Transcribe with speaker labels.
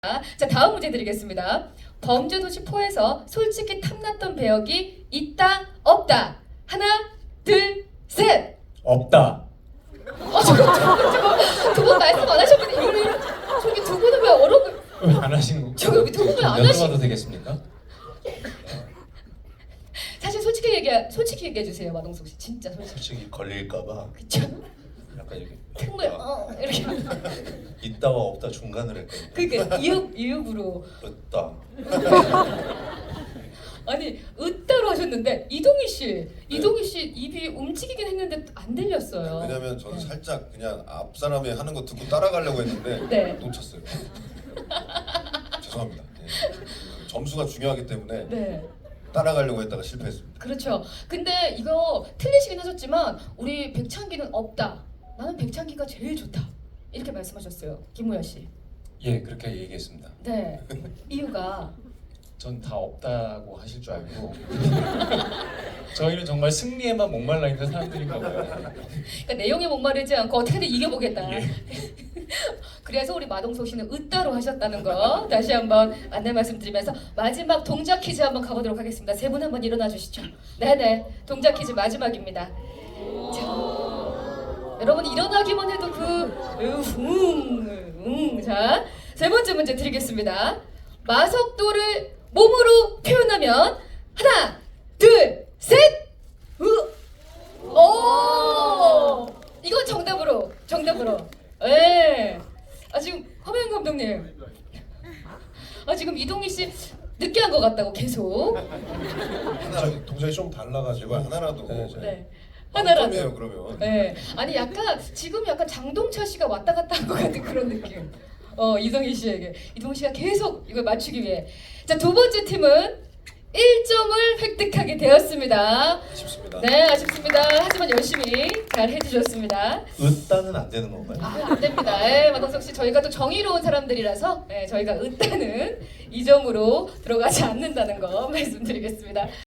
Speaker 1: 자, 다음 문제 드리겠습니다. 범죄도시 4에서 솔직히 탐났던 배역이 있다 없다. 하나 둘 셋.
Speaker 2: 없다.
Speaker 1: 잠깐 두 분 말씀 안 하셨는데 이걸 저기 두 분은 왜 어려운
Speaker 2: 왜 안 하시는 거?
Speaker 1: 저기 여기 두 분은 안 하시.
Speaker 2: 여쭤봐도 되겠습니까?
Speaker 1: 사실 솔직히 얘기해 주세요, 마동석 씨. 진짜 솔직히.
Speaker 3: 솔직히 걸릴까봐
Speaker 1: 그쵸?
Speaker 3: 약간 이렇게
Speaker 1: 틈을 이렇게.
Speaker 3: 있다와 없다 중간을 했거든요.
Speaker 1: 그러니까 이읍으로.
Speaker 3: 없다.
Speaker 1: 아니 으따로 하셨는데 이동희 씨 입이 움직이긴 했는데 안 들렸어요.
Speaker 4: 왜냐면 저는 살짝 그냥 앞 사람이 하는 거 듣고 따라가려고 했는데
Speaker 1: 네.
Speaker 4: 놓쳤어요. 죄송합니다. 네. 점수가 중요하기 때문에
Speaker 1: 네.
Speaker 4: 따라가려고 했다가 실패했습니다.
Speaker 1: 그렇죠. 근데 이거 틀리시긴 하셨지만 우리 백창기는 없다. 나는 백창기가 제일 좋다. 이렇게 말씀하셨어요, 김우현 씨.
Speaker 2: 예, 그렇게 얘기했습니다.
Speaker 1: 네. 이유가
Speaker 2: 전 다 없다고 하실 줄 알고 저희는 정말 승리에만 목말라 있는 사람들인가 봐요.
Speaker 1: 그러니까 내용에 목마르지 않고 어떻게든 이겨보겠다.
Speaker 2: 예.
Speaker 1: 그래서 우리 마동석 씨는 으따로 하셨다는 거 다시 한번 안내 말씀드리면서 마지막 동작 퀴즈 한번 가보도록 하겠습니다. 세 분 한번 일어나 주시죠. 네네, 동작 퀴즈 마지막입니다. 자, 여러분 일어나기만 해도 자, 세 번째 문제 드리겠습니다. 마석도를 몸으로 표현하면 하나, 둘, 셋. 이건 정답으로. 예. 지금 허명 감독님. 지금 이동희 씨 늦게 한 것 같다고 계속.
Speaker 4: 하나 동작이 좀 달라가지고 하나라도.
Speaker 1: 네. 하나라도.
Speaker 4: 점이에요 그러면.
Speaker 1: 네. 아니 지금 약간 장동철 씨가 왔다 갔다 한 것 같은 그런 느낌. 이동희 씨가 계속 이걸 맞추기 위해. 자, 두 번째 팀은 1점을 획득하게 되었습니다.
Speaker 4: 아쉽습니다.
Speaker 1: 네, 아쉽습니다. 하지만 열심히 잘 해주셨습니다.
Speaker 3: 으따는 안 되는 건가요?
Speaker 1: 안 됩니다. 마동석 씨, 저희가 또 정의로운 사람들이라서 저희가 으따는 이 점으로 들어가지 않는다는 거 말씀드리겠습니다.